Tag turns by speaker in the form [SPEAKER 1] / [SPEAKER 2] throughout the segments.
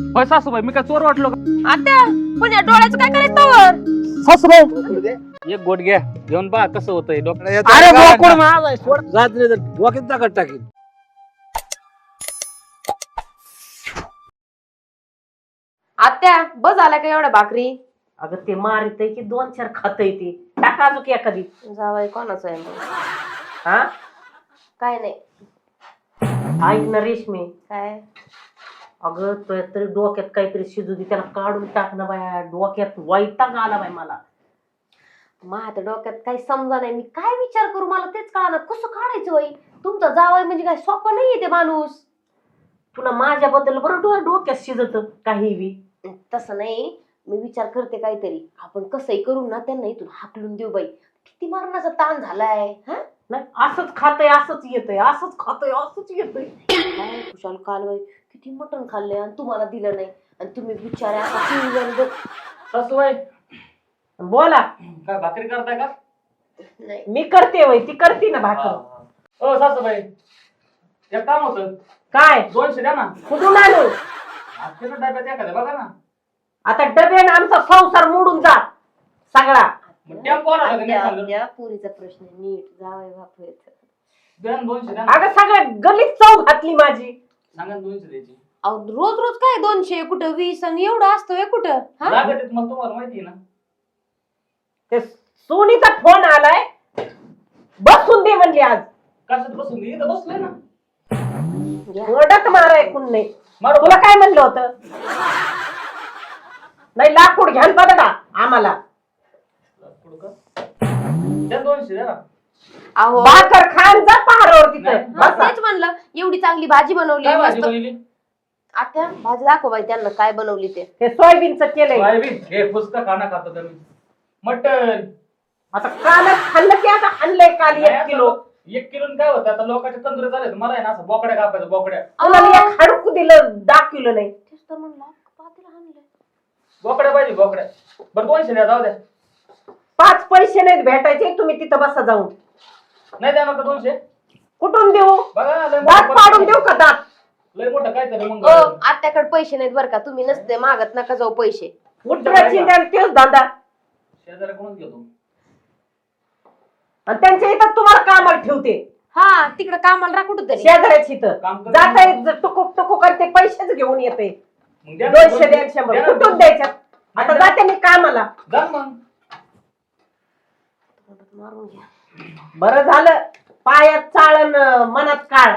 [SPEAKER 1] होय सासूबाई मी काय चोर वाटलो का?
[SPEAKER 2] आत्या पण या डोळ्याचं काय करायचं वर
[SPEAKER 1] सासूबाई एक गोट घ्या घेऊन पहा कसं होतंय डोक्यात.
[SPEAKER 3] अरे बोकड माझा सोड जात नाही तर डोक्यात दाखत टाकीन.
[SPEAKER 2] आत्या बस झाल्या का एवढ्या भाकरी?
[SPEAKER 4] अगं ते मारित की 2-4 खातय ते टाका अजून एखादी.
[SPEAKER 2] जावाई कोणाचं आहे मग?
[SPEAKER 4] हा
[SPEAKER 2] काय नाही.
[SPEAKER 4] ऐक ना रेशमी,
[SPEAKER 2] काय
[SPEAKER 4] अगं तो तरी डोक्यात काहीतरी शिजू दे, त्याला काढून टाक ना बाया. डोक्यात वैताग आला बाई मला.
[SPEAKER 2] माझ्या डोक्यात काही समजा नाही, मी काय विचार करू मला तेच कळा ना. कसं काढायचं बाई? तुमचा जावाई म्हणजे काय सोपं नाहीये ते माणूस.
[SPEAKER 4] तुला माझ्याबद्दल बरं डोक्यात शिजत काही बी.
[SPEAKER 2] तसं नाही, मी विचार करते काहीतरी. आपण कसंही करू ना, त्यांना इथून हाकलून देऊ बाई. किती मारण्याचा ताण झालाय. हा
[SPEAKER 4] नाही असंच खातय असंच येतंय, असंच खातय असंच येतंय.
[SPEAKER 2] काय खुशाल काल बाई किती मटण खाल्ले आणि तुम्हाला दिलं नाही. आणि तुम्ही बिचाऱ्या आता 3 जण बघ.
[SPEAKER 1] सासूबाई
[SPEAKER 4] बोला.
[SPEAKER 1] काय भाकरी करताय का?
[SPEAKER 2] नाही
[SPEAKER 4] मी करते वय, ती करते ना भाकर.
[SPEAKER 1] हो सासूबाई एक काम होतं.
[SPEAKER 4] काय
[SPEAKER 1] 200 द्या ना.
[SPEAKER 4] कुठून आणू?
[SPEAKER 1] आजच्या डब्यात एखाद्या बघा ना.
[SPEAKER 4] आता डब्याने आमचा संसार मोडून जा सगळा.
[SPEAKER 1] मग टेम्पो आला का नाही सांगलं?
[SPEAKER 2] त्या पुरीचा प्रश्न आहे. नीट जावई बापू येत.
[SPEAKER 1] द्या ना 200 द्या ना.
[SPEAKER 4] अगं सगळ्या गलीत चव घातली माझी.
[SPEAKER 1] सांगा ना 200 द्यायची.
[SPEAKER 2] अहो रोज रोज काय 200 कुठं 20 आणि एवढं असतोय कुठं? हा
[SPEAKER 1] लागत आहेत मग तुम्हाला माहिती आहे ना.
[SPEAKER 4] ते सोनीचा फोन आलाय, बसून दे म्हणजे आज.
[SPEAKER 1] कशात बसून दे? इथं बसलोय ना.
[SPEAKER 4] ओरडत माराय कोण नाही.
[SPEAKER 1] मारू
[SPEAKER 4] तुला काय म्हणलं होतं? नाही लाकूड घ्याल बघा आम्हाला.
[SPEAKER 1] द्या 200 द्या ना.
[SPEAKER 2] अहो
[SPEAKER 4] भाकर खान जा पहारावर तिथं.
[SPEAKER 1] नाही.
[SPEAKER 2] हा,
[SPEAKER 4] बसा.
[SPEAKER 2] तेच म्हणलं एवढी चांगली भाजी बनवली
[SPEAKER 1] काय भाजी
[SPEAKER 2] मस्त.
[SPEAKER 1] बनवली?
[SPEAKER 2] आता भाजी दाखव बाई त्यांना काय बनवली ते.
[SPEAKER 4] हे सोयाबीनचं केलंय.
[SPEAKER 1] सोयाबीन हे पुस्तक खाना खातो तुम्ही. मटन
[SPEAKER 4] आता कालच खाल्लं की आता आणलंय काल 1 किलो.
[SPEAKER 1] 1 किलो काय होतं आता लोकांचे तंदुरे झाले. मला आहे ना असं बोकड्या कापायचं बोकड्या.
[SPEAKER 4] तुला एक हडकू दिलं दाखवलं नाही.
[SPEAKER 2] तेच तर म्हणलं पातेलं आणलंय.
[SPEAKER 1] बोकड्या पाहिजे बोकड्या. बरं 200 द्या जाऊ द्या.
[SPEAKER 4] 5 पैसे नाहीत भेटायचे, तुम्ही तिथं बसा जाऊन.
[SPEAKER 1] नाही द्या नका 200.
[SPEAKER 4] कुठून देऊ?
[SPEAKER 1] बघा लय
[SPEAKER 4] दात
[SPEAKER 1] मोठं
[SPEAKER 4] पाडून देऊ का दात?
[SPEAKER 1] लय मोठं काय तरी मग.
[SPEAKER 2] ओ आत्याकडे पैसे नाहीत बरं का. तुम्ही नसते मागत नका जाऊ पैसे.
[SPEAKER 4] उठण्याची तेच धंदा.
[SPEAKER 1] शेजाऱ्याकडून घेतो.
[SPEAKER 4] आणि त्यांच्या इथं तुम्हाला कामाला ठेवते.
[SPEAKER 2] हा तिकडे कामाला राहा कुठं तरी.
[SPEAKER 4] शेजाऱ्याची इथं
[SPEAKER 1] काम करतो.
[SPEAKER 4] जाता टुकुक टुकुक आणि ते पैसेच घेऊन येते.
[SPEAKER 1] मग द्या ना
[SPEAKER 4] 200 द्या 100
[SPEAKER 1] द्या ना.
[SPEAKER 4] कुठून द्यायच्यात? आता जाते मी कामाला.
[SPEAKER 1] जा मग.
[SPEAKER 2] मारून घ्या.
[SPEAKER 4] बरं झालं पायात चाळण मनात काळ.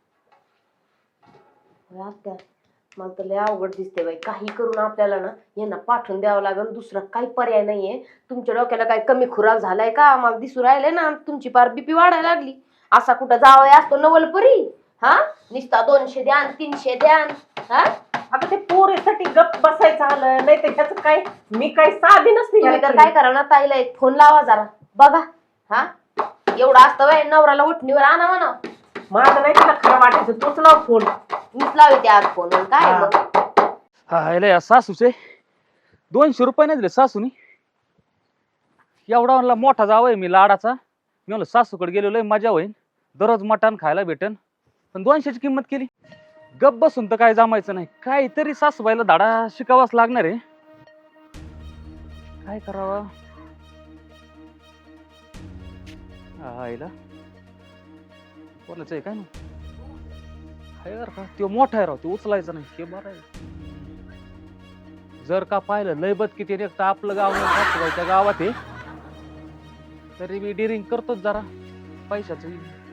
[SPEAKER 2] आत्या मला तर लय अवघड दिसते बाई. काही करून आपल्याला ना यांना पाठवून द्यावं लागेल. दुसरा काही पर्याय नाहीये. तुमच्या डोक्याला काय कमी खुराक झालाय का? मला दिसू राहिले ना तुमची पार बीपी वाढायला लागली. असा कुठं जावं असतो नवलपरी? हा निस्ता 200 द्या 300 द्या. हा
[SPEAKER 4] आता ते पोरीसाठी गप बसायचं आलं नाही तर ह्याच काय. मी काय साधी नसते.
[SPEAKER 2] तुम्ही तर काय करा ना ताईला एक फोन लावा जरा बघा. हा एवढं असतं बाई नवऱ्याला उठणीवर आणा म्हणा.
[SPEAKER 4] माझं नाही तुला खरं वाटायचं. तूच लाव फोन.
[SPEAKER 2] मीच लावते आज फोन. काय मग
[SPEAKER 1] हा सासूचे 200 रुपये नाही दिले सासूनी. एवढा म्हणला मोठा जावं मी लाडाचा. मी म्हणलं सासूकडे गेलो लय मजा होईल. दररोज मटण खायला भेटन. पण 200ची किंमत केली. गप बसून तर काय जमायचं नाही. काहीतरी सासूबाईला धाडा शिकावाच लागणार आहे. काय करावं? आईला कोणाचं आहे काय ना का तो मोठा आहे राव. ते उचलायचं नाही हे बरं आहे. जर का पाहिलं लय बद किती रे तर आपलं गाव नाही सासूबाईच्या गावात आहे. तरी मी डिरिंग करतोच जरा पैशाच.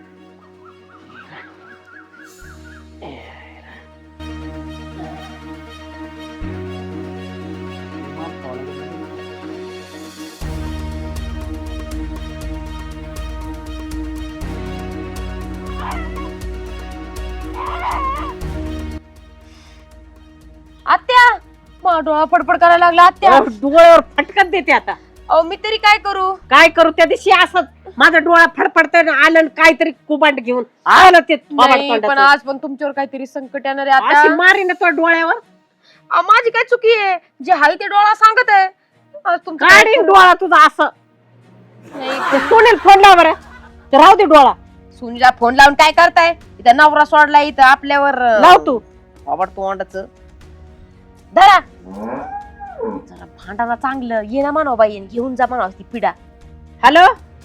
[SPEAKER 2] आत्या मग डोळा फडफड करायला लागला आत्या.
[SPEAKER 4] डोळ्यावर फटकत देते आता.
[SPEAKER 2] अहो मी तरी काय करू?
[SPEAKER 4] काय करू त्या दिवशी असं माझा डोळा फडफडत आलं काहीतरी कुबांड घेऊन आलं ते
[SPEAKER 2] नाही, पण आज पण तुमच्यावर काहीतरी संकट येणार आहे
[SPEAKER 4] अशी
[SPEAKER 2] आता.
[SPEAKER 4] मारी ना तो डोळ्यावर.
[SPEAKER 2] माझी काय चुकी आहे? जे हाय ते डोळा सांगत आहे. आज तुमचं काय
[SPEAKER 4] काढीन
[SPEAKER 2] करू?
[SPEAKER 4] डोळा तुझा असं.
[SPEAKER 2] नाही,
[SPEAKER 4] ते सोनेल फोन लाव बरं. ते राहू दे डोळा.
[SPEAKER 2] सुनीला फोन लावून काय करताय? इथं नवरा सोडलाय इथं आपल्यावर.
[SPEAKER 4] लाव तू.
[SPEAKER 2] आवड तोंडाचं. धरा जरा भांडाला चांगलं ये ना म्हणावं बाई घेऊन जा म्हणावं ती पिढा.
[SPEAKER 4] हॅलो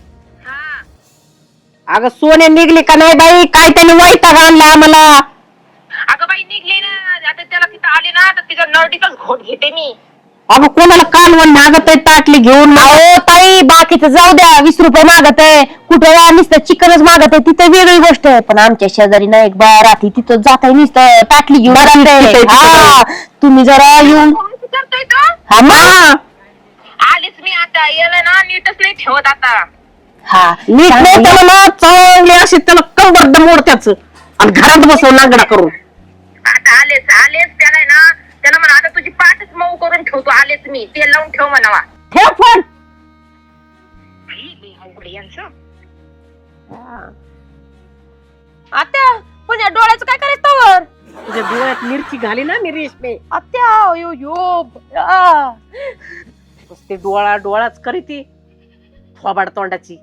[SPEAKER 4] अगं सोने निघली का नाही बाई? काय त्याने वैताग आणला आम्हाला.
[SPEAKER 5] अगं बाई निघली ना आता त्याला तिथं आली ना तर तिचा नरडीचाच घोट घेते मी.
[SPEAKER 4] अगं कोणाला कालवण मागत आहे ताटली घेऊन?
[SPEAKER 2] अहो ताई बाकीचं जाऊ द्या 20 रुपये मागत आहे कुठं नुसतं चिकनच मागत आहे तिथे वेगळी गोष्ट आहे. पण आमच्या शेजारी ना एक बाया राहते तिथं जात आहे नुसतं ताटली घेऊन जाते. हा तुम्ही जरा येऊन
[SPEAKER 5] करतोय का?
[SPEAKER 2] हा मग
[SPEAKER 5] आलीच मी आता याला ना नीटच नाही ठेवत आता.
[SPEAKER 2] हा
[SPEAKER 4] नीट नाही त्याला ना चांगली अशी त्याला कंबरद मोडत्याच आणि घरात बसवून नांगडा करून.
[SPEAKER 5] आता आलेच आलेच त्याला ना त्याला म्हणा आता तुझी पाठच मऊ करून ठेवतो. आलेच मी तेल लावून ठेव म्हणावा.
[SPEAKER 4] ठेव फोन.
[SPEAKER 5] यांचं
[SPEAKER 2] आत्या पण या डोळ्याचं काय करायचं तवर?
[SPEAKER 4] तुझ्या डोळ्यात मिरची घाली ना मी रेशमे.
[SPEAKER 2] आत्या यो यो आ.
[SPEAKER 4] ते डोळा डोळाच करी ती थोबाड तोंडाची.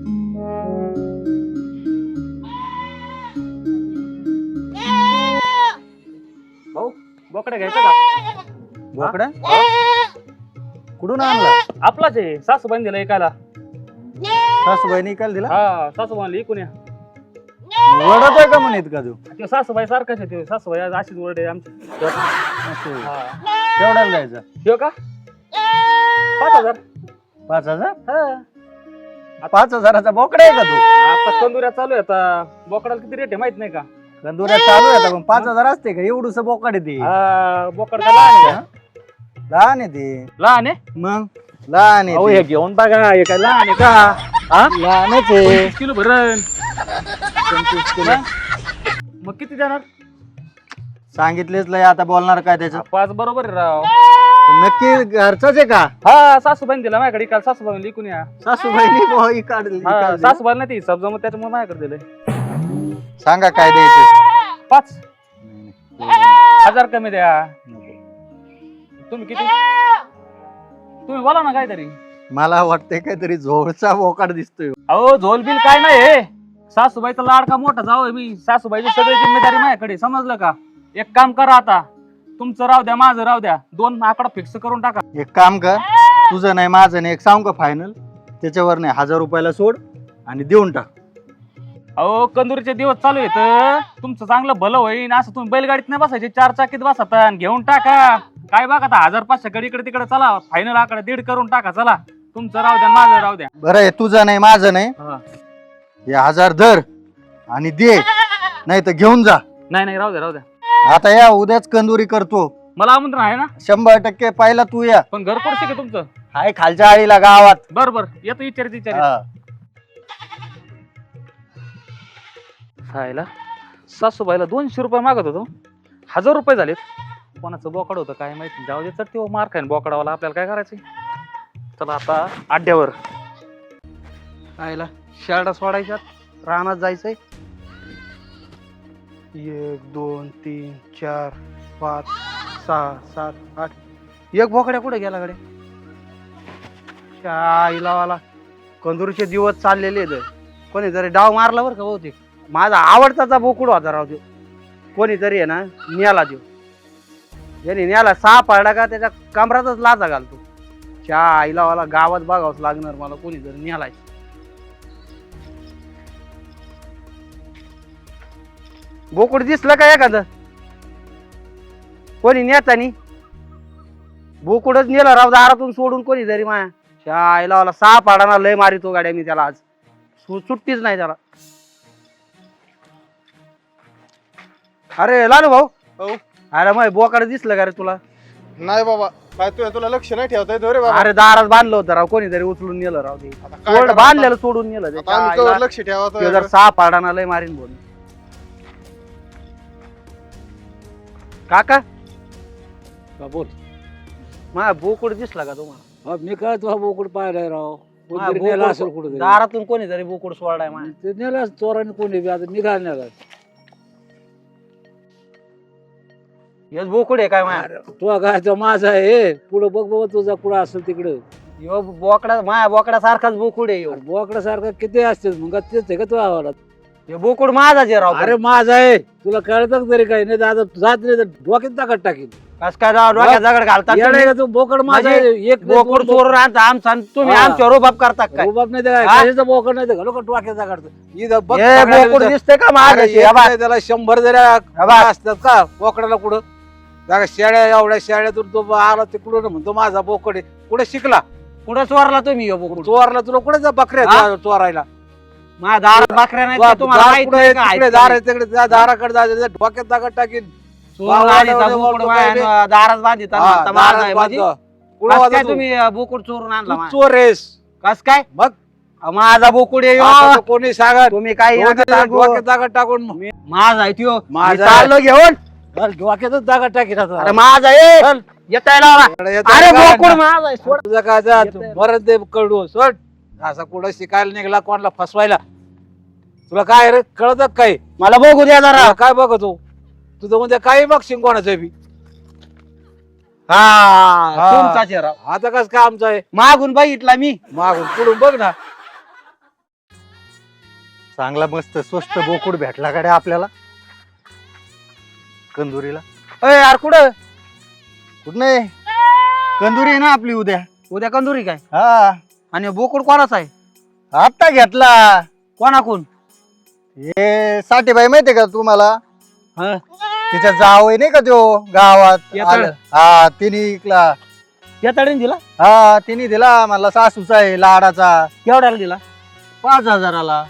[SPEAKER 1] भाऊ बोकडा घ्यायचा का?
[SPEAKER 3] बोकडा कुठून आणला?
[SPEAKER 1] आपलाच आहे सासूबाईने दिला ऐकायला.
[SPEAKER 3] सासूबाईने काल दिला.
[SPEAKER 1] हा सासूबाईला इकून या.
[SPEAKER 3] वडत आहे का म्हणत का तू?
[SPEAKER 1] ते सासूबाई सारखाच आहे. ते सासूबाई आज अशीच वरडे आमची.
[SPEAKER 3] असं.
[SPEAKER 1] हा
[SPEAKER 3] केवढ्याला जायचं?
[SPEAKER 1] ठेव का 5,000.
[SPEAKER 3] 5,000?
[SPEAKER 1] हा
[SPEAKER 3] 5,000चा बोकडा आहे का तू?
[SPEAKER 1] आता कंदुऱ्या चालू आहे. आता बोकडाला किती रेट आहे माहित नाही का?
[SPEAKER 3] कंदुऱ्या चालू आहे पण 5,000 असते का? एवढूस बोकड आहे ते.
[SPEAKER 1] हा बोकड का लहान आहे का?
[SPEAKER 3] लहान आहे ते.
[SPEAKER 1] लहान आहे.
[SPEAKER 3] मग लहान
[SPEAKER 1] अहो
[SPEAKER 3] आहे
[SPEAKER 1] हे
[SPEAKER 3] ते.
[SPEAKER 1] घेऊन बघा हे काय लहान आहे का? हा
[SPEAKER 3] लहानच आहे.
[SPEAKER 1] 25 किलो भरण.
[SPEAKER 3] 25 किलो.
[SPEAKER 1] मग किती देणार?
[SPEAKER 3] सांगितलेच लय आता बोलणार काय त्याच्यात?
[SPEAKER 1] 5 बरोबर आहे राव.
[SPEAKER 3] नक्की घरचाच आहे का?
[SPEAKER 1] हा सासूबाईने दिला माझ्याकडे. काल सासूबाईने लिकून या.
[SPEAKER 3] सासूबाईनी बोई काढली.
[SPEAKER 1] हा सासूबाईला नाही ती हिसाब जमत त्याच्यामुळे माझ्याकडे दिलंय.
[SPEAKER 3] सांगा काय द्यायचं?
[SPEAKER 1] 5,000 कमी द्या. तुम्ही किती? तुम्ही बोला ना काहीतरी.
[SPEAKER 3] मला वाटतंय काहीतरी झोळचा बोकाड दिसतोय.
[SPEAKER 1] अहो झोल बिल काय नाही. सासूबाईचा लाडका मोठा जावं मी. सासूबाईची सगळी जिम्मेदारी माझ्याकडे. समजलं का? एक काम करा आता. तुमचं राहू द्या माझं राहू द्या. 2 आकडा फिक्स करून टाका.
[SPEAKER 3] एक काम कर, तुझं नाही माझं नाही, एक सांग का फायनल त्याच्यावर नाही 1,000 रुपयाला सोड आणि देऊन टाक.
[SPEAKER 1] अहो कंदुरीचे दिवस चालू आहेत. तुमचं चांगलं भलं होईन. असं तुम्ही बैलगाडीत नाही बसायचे 4 चाकीत बसता आणि घेऊन टाका. काय बघा आता 1,500 कडे इकडे तिकडे चला. फायनल आकडा 1.5 करून टाका. चला तुमचं राहू द्या माझं राहू द्या.
[SPEAKER 3] बरं आहे, तुझं नाही माझं नाही.
[SPEAKER 1] हा.
[SPEAKER 3] हे 1,000 धर आणि दे, नाही तर घेऊन जा.
[SPEAKER 1] नाही राहू द्या राहू द्या.
[SPEAKER 3] आता या उद्याच कंदुरी करतो.
[SPEAKER 1] मला आमंत्रण आहे ना?
[SPEAKER 3] 100% पहिला तू या.
[SPEAKER 1] पण घर कोणते का तुमचं?
[SPEAKER 3] हाय खालच्या आळीला गावात.
[SPEAKER 1] बरोबर येतो विचारित.
[SPEAKER 3] हा.
[SPEAKER 1] खायला सासूबाईला 200 रुपये मागत होतो. 1,000 रुपये झालेत. कोणाचं बोकड होतं काय माहिती. जाऊ दे तर ते मार खाईन बोकडावाला. आपल्याला काय करायचं? चला आता अड्ड्यावर.
[SPEAKER 6] आयला शाळा सोडायच्यात रानात जायचंय. 1 2 3 4 5 6 7 8. एक बोकड्या कुठे गेला कडे? आईला वाला कंदूरचे दिवस चाललेले आहेत. कोणी जरी डाव मारला बरं का बहुतेक. माझा आवडताचा बोकुड होता राव. देव कोणीतरी आहे ना न्याला देव. ज्याने न्याला 6 पारडा का त्याच्या कमरातच लाचा घालतो. आईला वाला गावात बघावंच लागणार मला. कोणी जरी न्यालाय. बोकुड दिसलं का एखादं? कोणी नेतानी बोकुडच नेला राव दारातून सोडून. कोणी जरी माया आईला वाला 6 पाडाना लय मारितो गाड्या मी त्याला. आज सुट्टीच नाही त्याला. अरे लालू भाऊ. अरे मग बोकाड दिसलं का रे तुला?
[SPEAKER 7] नाही बाबा, काय तुला लक्ष नाही ठेवता येत रे बाबा.
[SPEAKER 6] अरे दारात बांधलं होतं राव. कोणीतरी उचलून नेलं राव. ते
[SPEAKER 7] काय
[SPEAKER 6] सोड
[SPEAKER 7] करावं
[SPEAKER 6] बांधलेलं सोडून नेलं ते.
[SPEAKER 7] आता आम्ही
[SPEAKER 6] आईला
[SPEAKER 7] कवर लक्ष ठेवा
[SPEAKER 6] त्यो जर 6 पाडाना लय मारीन बोल. काका
[SPEAKER 3] बोल.
[SPEAKER 6] मा बोकुड दिसला का तुम्हाला?
[SPEAKER 3] मी काय तुला बोकड पाहिलाय राव.
[SPEAKER 6] मा
[SPEAKER 3] कोणतरी नेला असेल
[SPEAKER 6] बोकुड
[SPEAKER 3] कुठे
[SPEAKER 6] दारातून कोणीतरी बोकुड सोडलाय मा.
[SPEAKER 3] ते नेला चोराने कोणी बी. आता निघाल नेला.
[SPEAKER 6] हेच बोकुड आहे काय मा?
[SPEAKER 3] तुला काय तो माझा आहे. पुढं बघ बाबा तुझा कुठं असेल तिकडं.
[SPEAKER 6] यो बोकडा माया बोकडा सारखाच बोकुड आहे.
[SPEAKER 3] बोकडासारखा किती असते मग तेच आहे का तुझ्या आवाला?
[SPEAKER 6] हे बोकुड माझा जे राव
[SPEAKER 8] अरे माझा आहे तुला कळतं तरी काही नाही दादा जात नाही तर डोक्यात दगड टाकीन
[SPEAKER 6] कस काय राव डोक्यात दगड घालतात
[SPEAKER 8] येडा
[SPEAKER 6] तुम्ही?
[SPEAKER 8] आहे का तू बोकड माझा आहे.
[SPEAKER 6] म्हणजे
[SPEAKER 8] एक
[SPEAKER 6] बोकुड चोरून आणता आमचा आणि तुम्ही
[SPEAKER 8] हा.
[SPEAKER 6] आमच्यावर रुबाब करता काय
[SPEAKER 8] रुबाब नाही तर काय
[SPEAKER 6] हा?
[SPEAKER 8] कशाचं बोकड नाही तर घालू का डोक्यात दगड इथं बघ
[SPEAKER 6] हे
[SPEAKER 8] सगळ्या
[SPEAKER 6] बोकुड
[SPEAKER 8] दिवसात.
[SPEAKER 6] दिसतंय का माझं
[SPEAKER 8] अरे एक नाही त्याला 100 जरी असतात का बोकडाला कुठं जागा शेळ्या एवढ्या शेळ्यातून तो आला तिकडून म्हणतो माझा बोकड आहे कुठे शिकला
[SPEAKER 6] कुठं चोरला तुम्ही हे बोकुड
[SPEAKER 8] चोरला तुला कुठे जा बकऱ्या
[SPEAKER 6] हा?
[SPEAKER 8] चोरायला
[SPEAKER 6] माझ्या दारात बकऱ्या नाही का तुम्हाला
[SPEAKER 8] दार
[SPEAKER 6] माहित
[SPEAKER 8] कुठं
[SPEAKER 6] नाही
[SPEAKER 8] आहे?
[SPEAKER 6] का? आहेत
[SPEAKER 8] तिकडे
[SPEAKER 6] का
[SPEAKER 8] दार
[SPEAKER 6] नाही?
[SPEAKER 8] आहे तिकडे त्या दाराकडे जायचं त्या डोक्यात दगड टाकीन
[SPEAKER 6] चोरून आणीचा बोकुड माझ्या दारात बांधित आणि म्हणता माझा आहे म्हणजे? कस काय तुम्ही बोकुड चोरून आणला माझ्या?
[SPEAKER 8] चोर आहेस
[SPEAKER 6] कस काय
[SPEAKER 8] मग
[SPEAKER 6] माझा बोकुड आहे
[SPEAKER 8] आता
[SPEAKER 6] ह्यो.
[SPEAKER 8] तर कोणी सांगा
[SPEAKER 6] तुम्ही काही नका सांगू.
[SPEAKER 8] डोक्यात दगड टाकून
[SPEAKER 6] माझा आहे त्यो
[SPEAKER 8] माझा
[SPEAKER 6] मी चाललो घेऊन
[SPEAKER 8] चल, डोक्यातच दगड टाकीन आता.
[SPEAKER 6] अरे माझा आहे
[SPEAKER 8] चल.
[SPEAKER 6] येता लावा
[SPEAKER 8] इकडे येतो
[SPEAKER 6] अरे
[SPEAKER 8] का
[SPEAKER 6] बोकुड
[SPEAKER 8] ना?
[SPEAKER 6] माझा आहे सोड.
[SPEAKER 8] तुझं काय जा मरण ते कडू सोड असा कुठं शिकायला निघाला कोणाला फसवायला तुला काय रे कळत काय
[SPEAKER 6] मला बघू द्या जरा
[SPEAKER 8] तुला काय बघतो तुझं उद्या काही बघशील कोणाचं बी
[SPEAKER 6] हा तुमचा चेहरा
[SPEAKER 8] आता कस काय आमचं आहे
[SPEAKER 6] मागून बघितला मी
[SPEAKER 8] मागून पुढून बघ ना
[SPEAKER 3] चांगला मस्त स्वस्त बोकुड भेटला कडे आपल्याला कंदुरीला
[SPEAKER 6] अय यार कुठं
[SPEAKER 3] कुठं नाही कंदुरी आहे ना आपली उद्या
[SPEAKER 6] उद्या कंदुरी काय
[SPEAKER 3] हा
[SPEAKER 6] आणि बोकुड कोणाचा आहे
[SPEAKER 3] आता घेतला
[SPEAKER 6] कोणाकून
[SPEAKER 3] हे साठेबाई माहितीये का तुम्हाला
[SPEAKER 6] हा.
[SPEAKER 3] तिच्या जावई नाही का तो गावात
[SPEAKER 6] येताळ.
[SPEAKER 3] आलं. हा तिने इकला
[SPEAKER 6] या तडीने दिला
[SPEAKER 3] हा तिने दिला मला सासूचा आहे लाडाचा
[SPEAKER 6] केवढ्याला दिला
[SPEAKER 3] 5,000ला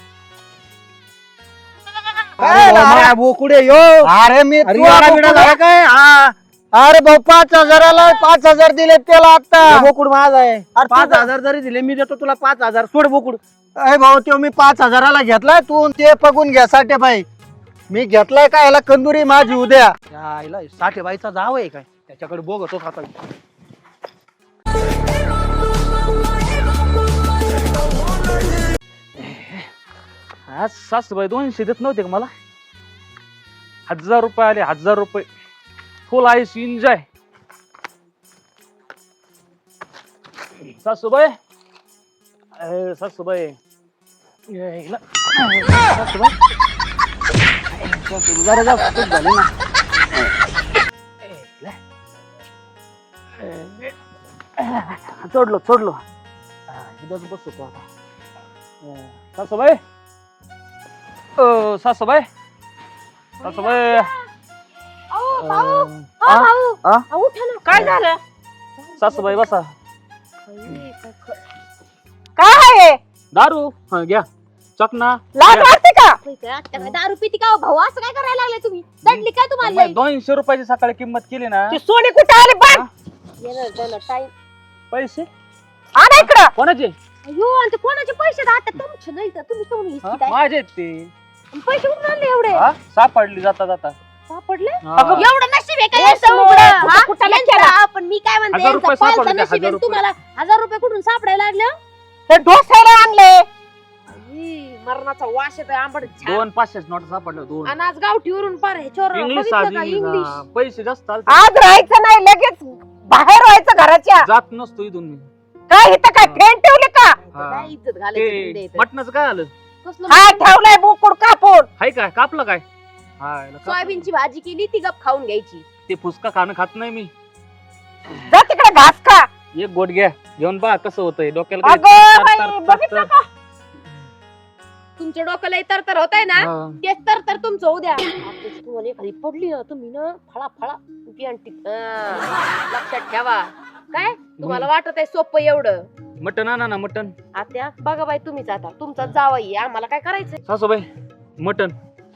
[SPEAKER 6] अरे बाबा, बोकुड आहे यो
[SPEAKER 3] अरे मी
[SPEAKER 6] अरे
[SPEAKER 3] तुला
[SPEAKER 6] एवढा
[SPEAKER 3] बोकुड
[SPEAKER 6] बिडा झाला काय
[SPEAKER 3] हा. अरे भाऊ 5,000ला 5,000 दिले त्याला आता
[SPEAKER 6] बोकुड माझा आहे
[SPEAKER 3] अरे
[SPEAKER 6] 5,000 जरी दिले मी देतो तुला 5,000 सोड बोकुड
[SPEAKER 3] अरे भाऊ तो मी 5,000ला घेतलाय तू ते बघून घ्या साठेबाई मी घेतलाय का याला कंदुरी माझी उद्या
[SPEAKER 6] यायला साठेबाईचा जाव आहे काय त्याच्याकडे बघतो आता
[SPEAKER 1] आज सासूबाई 200 देत नव्हते का मला 1,000 रुपये आले 1,000 रुपये फुल आईस एन्जॉय सासूबाई सासूबाई यायला. सासूबाई सासूबाई जरा जास्त चूक झाली ना चढलो चढलो इथंच बसतो आता सासूबाई सासूबाई सासूबाई
[SPEAKER 4] काय झालं
[SPEAKER 1] सासूबाई बसा
[SPEAKER 4] काय आहे
[SPEAKER 1] दारू हा घ्या चकना
[SPEAKER 4] लाज वाटते का
[SPEAKER 2] दारू पिती का भाऊ असं काय करायला लागले तुम्ही दडली काय तुम्हाला
[SPEAKER 1] 200 रुपयाची सकाळी किंमत केली ना
[SPEAKER 4] ती सोनी कुठे आली बघ
[SPEAKER 1] पैसे
[SPEAKER 4] आणा इकडं
[SPEAKER 1] कोणाचे
[SPEAKER 2] अयो आणि ते कोणाचे पैसे आता तुमचे नाही तर तुम्ही सोडून
[SPEAKER 1] हा?
[SPEAKER 2] घेतली
[SPEAKER 1] माझे आहेत ते
[SPEAKER 2] पैसे कुठून आणले एवढे
[SPEAKER 1] हा? सापडली जाता जाता
[SPEAKER 2] सापडले
[SPEAKER 1] हा.
[SPEAKER 2] एवढं नशीब आहे का
[SPEAKER 4] हे
[SPEAKER 2] यांचं
[SPEAKER 4] सोड.
[SPEAKER 2] उघडं?
[SPEAKER 4] कुठं
[SPEAKER 2] हा?
[SPEAKER 4] कुठं
[SPEAKER 2] यांचं
[SPEAKER 4] केला?
[SPEAKER 2] हा, पण मी काय म्हणते
[SPEAKER 1] 1,000 रुपये
[SPEAKER 2] यांचं पालतं
[SPEAKER 1] सापडले,
[SPEAKER 2] नशीब आहे.
[SPEAKER 1] 1,000 रुपये.
[SPEAKER 2] तुम्हाला 1,000 रुपये कुठून सापडायला लागले
[SPEAKER 4] ते डोसायला आणले
[SPEAKER 2] आई, मरणाचा वास येतोय आंबट छान.
[SPEAKER 1] 2 500 नोट सापडले 2
[SPEAKER 2] आणि आज गावठीवरून पार ह्याच्यावर
[SPEAKER 1] इंग्लिश
[SPEAKER 2] बघितलं का
[SPEAKER 1] आज
[SPEAKER 2] इंग्लिश
[SPEAKER 1] पैसे जास्त आलते.
[SPEAKER 4] आज राहायचं नाही लगेच बाहेर व्हायचं घराच्या
[SPEAKER 1] जात नसतो इथून मी
[SPEAKER 4] काय इथं काय फेन ठेवले का
[SPEAKER 1] हा.
[SPEAKER 2] नाही इज्जत घालायची
[SPEAKER 1] ते
[SPEAKER 2] द्यायचं.
[SPEAKER 1] मटणाचं काय आलं
[SPEAKER 2] कसलं
[SPEAKER 4] हा
[SPEAKER 2] मटण?
[SPEAKER 4] ठेवलाय बोकुड कापून
[SPEAKER 1] हाय काय कापलं काय हा याला कापलं.
[SPEAKER 2] सोयाबीनची भाजी केली ती गप खाऊन घ्यायची
[SPEAKER 1] ते फुसका खाणं खात नाही मी
[SPEAKER 4] जा तिकडे घास खा
[SPEAKER 1] एक गोट घ्या घेऊन पहा कसं होतंय डोक्याला काय
[SPEAKER 4] अगं
[SPEAKER 1] तर-
[SPEAKER 4] बाई,
[SPEAKER 1] तर- तर-
[SPEAKER 4] बघितलं
[SPEAKER 1] तर-
[SPEAKER 2] तुमच्या डोक्याला तर तर होत आहे ना
[SPEAKER 1] हा.
[SPEAKER 2] तेच तर तुमचं उद्या आताच तुम्हाला एखादी पडली ना तुम्ही ना फळा फळा उभी आणटी. लक्षात ठेवा काय तुम्हाला वाटत आहे सोपं एवढं
[SPEAKER 1] मटण आणा ना मटण
[SPEAKER 2] आता बघा बाई तुम्हीच आता तुमचा जावाई आम्हाला काय करायचंय
[SPEAKER 1] सासूबाई मटण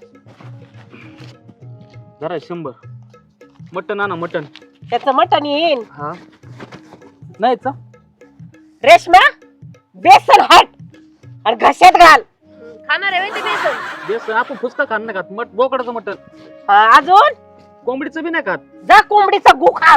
[SPEAKER 1] जरा 100 मटण आणा मटण
[SPEAKER 4] त्याचं मटण येईन
[SPEAKER 1] हा नाही का
[SPEAKER 4] रेशमा बेसन हट आणि घशात घाल
[SPEAKER 2] खाणार आहे ते बेसन
[SPEAKER 1] बेसन आपण फुसका खाणं नाही खात बोकडाचं मटण
[SPEAKER 4] हा, अजून
[SPEAKER 1] कोंबडीचं बी नाही खात
[SPEAKER 4] जा कोंबडीचा गु खा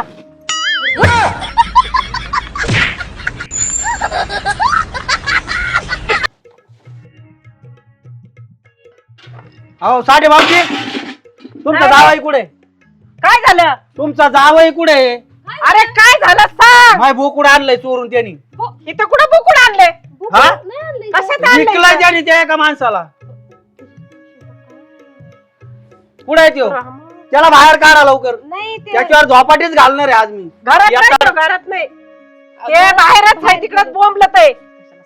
[SPEAKER 6] अहो साठे भाऊजी तुमचा जावई कुठे
[SPEAKER 4] काय झालं
[SPEAKER 6] तुमचा जावई कुठे
[SPEAKER 4] अरे काय झालं सांग
[SPEAKER 6] माय बोकुड आणलंय चोरून त्यांनी
[SPEAKER 4] इथं कुठं बोकुड आणले
[SPEAKER 6] हा
[SPEAKER 2] नाही आणलंय
[SPEAKER 4] कशात आणलंय
[SPEAKER 6] विकलाय
[SPEAKER 4] इथं?
[SPEAKER 6] त्याने त्या एका माणसाला कुठे आहे त्यो त्याला बाहेर काढा लवकर
[SPEAKER 2] नाही ते
[SPEAKER 6] त्याच्यावर झोपाटीच घालणार आहे आज मी
[SPEAKER 4] घरात नाही तो, घरात नाही ते बाहेरच आहे तिकडे बोंबलत आहे.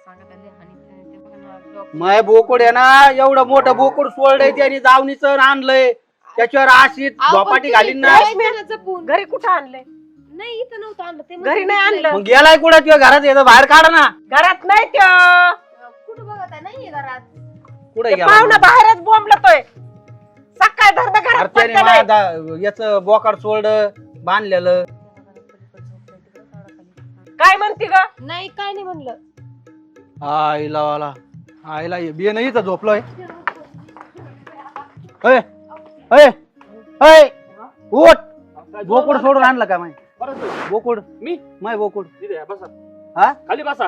[SPEAKER 6] मय बोकड आहे ना एवढं मोठं बोकड सोडलंय त्याने जावणीचं आणलंय त्याच्यावर अशी झोपाटी घालीन ना
[SPEAKER 2] जपून
[SPEAKER 4] घरी कुठं आणलंय?
[SPEAKER 2] नाही इथं नव्हतं आणलं ते
[SPEAKER 4] घरी नाही आणलं.
[SPEAKER 6] मग गेलाय कुठं किंवा घरात येतं बाहेर काढा ना
[SPEAKER 4] घरात नाही त्यो.
[SPEAKER 2] कुठं बघत आहे नाहीये घरात
[SPEAKER 6] कुठे
[SPEAKER 4] ते
[SPEAKER 6] गेला
[SPEAKER 4] पाहुणा बाहेरच बोंबलतोय. सकाळ धरणं घरात पडलं नाही.
[SPEAKER 6] याच बोकड सोडलं बांधलेलं
[SPEAKER 4] काय म्हणते ग?
[SPEAKER 2] नाही काय नाही म्हणलं
[SPEAKER 6] आईला वाला आईला बिय नाही तर झोपलोय अय अय अय उठ बोकड सोडून आणलं का माय बोकड
[SPEAKER 1] मी
[SPEAKER 6] माय बोकड
[SPEAKER 1] इथे बसा
[SPEAKER 6] हा
[SPEAKER 1] खाली बसा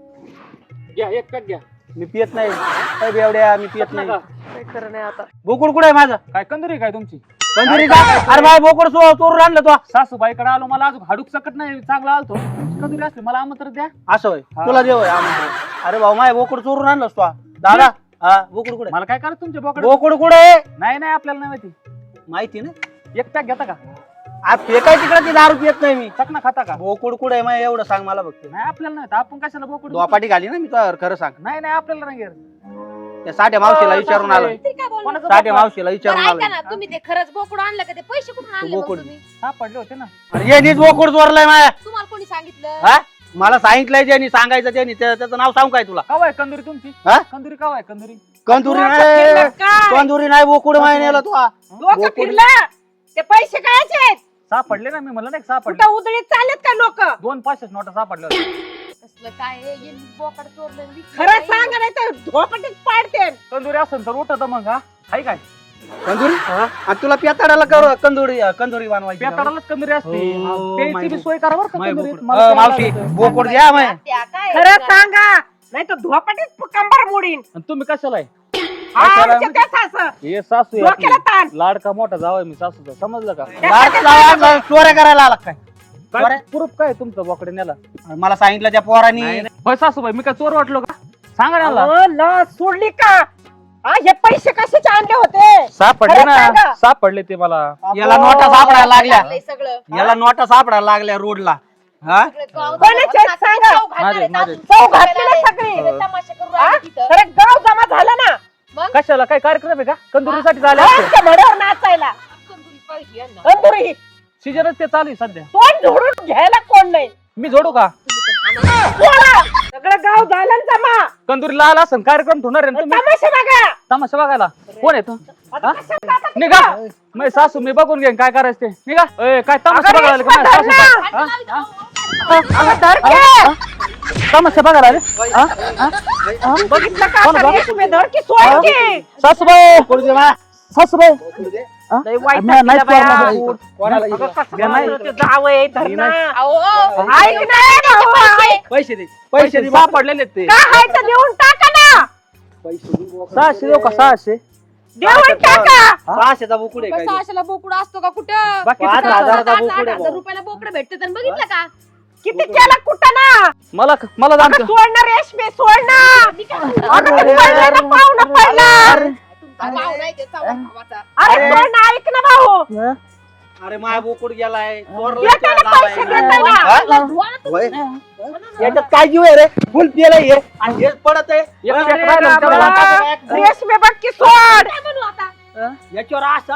[SPEAKER 1] घ्या एक पॅक घ्या
[SPEAKER 6] मी पियत नाही अय बेवड्या मी पियत नाही
[SPEAKER 4] काय खरं नाही आता.
[SPEAKER 6] बोकड कुठे आहे माझं
[SPEAKER 1] काय कंदुरी काय तुमची
[SPEAKER 6] कंदुरी का अरे माय बोकड चोरून आणलं तो
[SPEAKER 1] सासूबाईकडे आलो मला अजून हाडूक सकट नाही चांगला आलतो कंदुरी असली मला आमंत्रण द्या
[SPEAKER 6] असं होय तुला देव अरे भाऊ माय बोकड चोरून आणलंस तो दादा हा बोकड कुठे
[SPEAKER 1] मला काय करा तुमच्या बोकड
[SPEAKER 6] बोकड कुठे आहे
[SPEAKER 1] नाही नाही आपल्याला नाही माहिती
[SPEAKER 6] माहिती ना
[SPEAKER 1] एक पॅक घेता का
[SPEAKER 6] आज फेकाय तिकडे ती दारू पियत नाही मी
[SPEAKER 1] चकना खाता का
[SPEAKER 6] बोकड कुठे आहे माय एवढं सांग मला फक्त
[SPEAKER 1] नाही आपल्याला नाही आपण कशाला बोकड
[SPEAKER 6] दोपाटी घाली ना मी तुला खरं सांग
[SPEAKER 1] नाही नाही आपल्याला नाही घेत.
[SPEAKER 6] त्या साठ्या मावशीला विचारून आलो
[SPEAKER 2] ते काय बोलणार?
[SPEAKER 1] कोणाचं
[SPEAKER 6] साठ्या
[SPEAKER 1] बोकड?
[SPEAKER 6] मावशीला विचारून
[SPEAKER 2] बरं,
[SPEAKER 6] आलो
[SPEAKER 2] ऐका ना तुम्ही ते खरंच बोकड आणलं का ते पैसे कुठून आणले मग
[SPEAKER 6] बोकड.
[SPEAKER 2] तुम्ही
[SPEAKER 1] सापडले होते ना
[SPEAKER 6] अरे यांनीच बोकड चोरलाय माया
[SPEAKER 2] तुम्हाला कोणी सांगितलं
[SPEAKER 6] हा मला सांगितलंय ज्यांनी सांगायचं त्यांनी त्याचं नाव सांगू काय तुला
[SPEAKER 1] काव आहे कंदुरी तुमची
[SPEAKER 6] हा?
[SPEAKER 1] कंदुरी काव आहे कंदुरी
[SPEAKER 6] कंदुरी
[SPEAKER 4] डोकं
[SPEAKER 6] नाही
[SPEAKER 4] फिरलं काय?
[SPEAKER 6] कंदुरी नाही बोकुड माय नेला तू
[SPEAKER 4] डोकं
[SPEAKER 6] बोकड.
[SPEAKER 4] फिरलं. ते पैसे कायचे आहेत?
[SPEAKER 1] सापडले ना मी म्हणलं नाही का सापडले
[SPEAKER 4] कुठं उधळीत चाललेत का लोक?
[SPEAKER 1] 2 500 नोटा सापडल्या होत्या.
[SPEAKER 2] कसलं काय आहे? यांनी बोकड चोरलं आणि विकलं
[SPEAKER 4] खरं
[SPEAKER 2] नाही.
[SPEAKER 4] सांग नाही तर झोपटीत पाडते.
[SPEAKER 1] कंदुरी असेल तर उठत मग हा हाय काय
[SPEAKER 6] कंदुरी आणि तुला पेताडाला कर कंदुरी बनवायची का?
[SPEAKER 1] पेटाडालाच कंदुरी असते
[SPEAKER 6] हो,
[SPEAKER 1] प्यायची
[SPEAKER 6] माय
[SPEAKER 1] बी सोय करा बरं का
[SPEAKER 6] माय
[SPEAKER 1] कंदुरीत.
[SPEAKER 6] बोकड.
[SPEAKER 1] मला प्यायला
[SPEAKER 6] मावशी
[SPEAKER 1] लागतं.
[SPEAKER 6] बोकड द्या माय
[SPEAKER 2] त्या काय
[SPEAKER 4] खरं सांगा नाही तर झोपटीत कंबर मोडीन.
[SPEAKER 1] आणि तुम्ही कशाला आहे
[SPEAKER 4] हा,
[SPEAKER 6] कशाला?
[SPEAKER 4] आमच्या त्या सासं.
[SPEAKER 1] हे सासू आहे
[SPEAKER 4] डोक्याला
[SPEAKER 1] आपली.
[SPEAKER 4] ताण.
[SPEAKER 1] लाडका मोठा जावाय मी सासूचा समजलं का
[SPEAKER 6] चोऱ्या करायला आला काय
[SPEAKER 1] काय प्रूफ काय तुमचं बोकडे नेला
[SPEAKER 6] मला सांगितलं त्या पोरांनी
[SPEAKER 1] होय सासूबाई मी काय चोर वाटलो का सांगा ना मला.
[SPEAKER 4] अहो, लस सोडली का? हा, हे पैसे कशाचे आणले होते?
[SPEAKER 1] सापडले
[SPEAKER 4] खरं
[SPEAKER 1] ना
[SPEAKER 4] सांगा.
[SPEAKER 1] सापडले ते मला
[SPEAKER 6] याला नोटा सापडायला लागल्या
[SPEAKER 2] लागलंय सगळं
[SPEAKER 6] याला नोटा सापडायला लागल्या रोडला हा
[SPEAKER 2] सगळं गाव
[SPEAKER 4] कोणाचे आहेत सांगा?
[SPEAKER 2] चव घालणार आहेत.
[SPEAKER 1] माझे.
[SPEAKER 2] अजून
[SPEAKER 4] चव घातली ना सगळी.
[SPEAKER 2] सगळे तमाशा करून
[SPEAKER 4] हा?
[SPEAKER 2] राहिले तिथं.
[SPEAKER 4] खरं गाव जमा झालं ना
[SPEAKER 1] कशाला काय कार्यक्रम आहे का कंदुरीसाठी झाले
[SPEAKER 4] आमच्या भड्यावर नाचायला
[SPEAKER 2] कंदुरी पाहिजे यांना.
[SPEAKER 4] कंदुरी
[SPEAKER 1] सीजनच ते चालू आहे सध्या
[SPEAKER 4] तोंड झोडून घ्यायला कोण नाही.
[SPEAKER 1] मी जोडू का
[SPEAKER 4] बोला. सगळं गाव झालं ना जमा.
[SPEAKER 1] कंदुरीला आला असं कार्यक्रम ठेवणार आहे ना तुम्ही
[SPEAKER 4] तमाशा बघा.
[SPEAKER 1] तमाशा बघायला कोण येतो
[SPEAKER 4] आता कशाला जाता तुम्ही?
[SPEAKER 1] निघा मी सासू मी बघून घेईन काय करायचं ते निघा ए, काय तमाशा
[SPEAKER 4] अगं,
[SPEAKER 1] बघायला आले का?
[SPEAKER 4] रेश्मा,
[SPEAKER 1] माझ्या सासूचा?
[SPEAKER 4] धर
[SPEAKER 1] हा?
[SPEAKER 4] अगं, धर की.
[SPEAKER 1] तमाशा बघायला आले हा? हा?
[SPEAKER 4] बघितलं का
[SPEAKER 1] कोण
[SPEAKER 4] आता
[SPEAKER 1] बघ?
[SPEAKER 4] रेशमी धर की सोड की.
[SPEAKER 1] सासूबाई सासूबाई
[SPEAKER 4] लय वाईट
[SPEAKER 1] नाही
[SPEAKER 4] टाकलं बाया.
[SPEAKER 1] चोरलं.
[SPEAKER 6] कोणाला
[SPEAKER 4] अगं,
[SPEAKER 6] इथं?
[SPEAKER 4] कसं माणूस ते जावई धर ना.
[SPEAKER 2] अहो,
[SPEAKER 4] ऐक ना भाऊ, ऐक.
[SPEAKER 6] पैसे दे
[SPEAKER 1] पैसे सापडलेले ते
[SPEAKER 4] काय आहे तर देऊन टाका ना.
[SPEAKER 1] 600 देऊ का 600
[SPEAKER 4] देऊन टाका.
[SPEAKER 6] 600चा बोकुड आहे काय
[SPEAKER 2] कसं अशाला बोकड असतो का कुठं
[SPEAKER 1] बाकी
[SPEAKER 6] 5,000चा
[SPEAKER 2] 7,000
[SPEAKER 6] बोकड आहे
[SPEAKER 2] 8,000 रुपयाला बोकड भेटते आणि बघितलं का
[SPEAKER 4] किती केलं कुठं ना.
[SPEAKER 1] मला मला
[SPEAKER 4] अगं,
[SPEAKER 1] जाणतं
[SPEAKER 4] सोड ना रेशमी सोड ना. अगं, ते पडलं ना, पाहुणं पडलं.
[SPEAKER 2] तुमचा भाव नाही ते चव्हाण भावाचा.
[SPEAKER 4] अरे सोड ना, ऐक ना भाऊ.
[SPEAKER 6] अरे माय बोकुड गेलाय
[SPEAKER 4] येते ना पैसे देते ना.
[SPEAKER 6] याच्यात काय जीव आहे रे फुल पियलाय हे आणि हेच पडत आहे
[SPEAKER 1] एक पॅक राहिलं तेवढं वाटा.
[SPEAKER 4] रेशमी बघ की सोड.
[SPEAKER 2] काय म्हणू आता
[SPEAKER 6] याच्यावर असं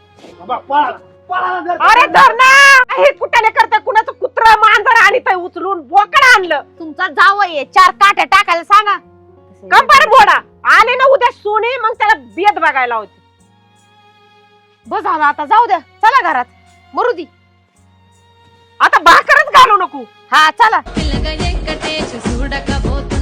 [SPEAKER 6] पळाला जर.
[SPEAKER 4] अरे धर ना. हे कुठाने करते कुणाचं कुत्रा मांजर आणि ते उचलून बोकड आणलं.
[SPEAKER 2] तुमचा जावई आहे 4 काट्या टाकायला सांगा
[SPEAKER 4] कंबर बोडा आले ना उद्या सोने मग त्याला बेद बघायला होती.
[SPEAKER 2] बस झालं आता जाऊ द्या चला घरात मरू दी
[SPEAKER 4] आता भाकरच घालू नको.
[SPEAKER 2] हा चला
[SPEAKER 9] పిల్లగా ఎక్కటేసి చూడకపోతే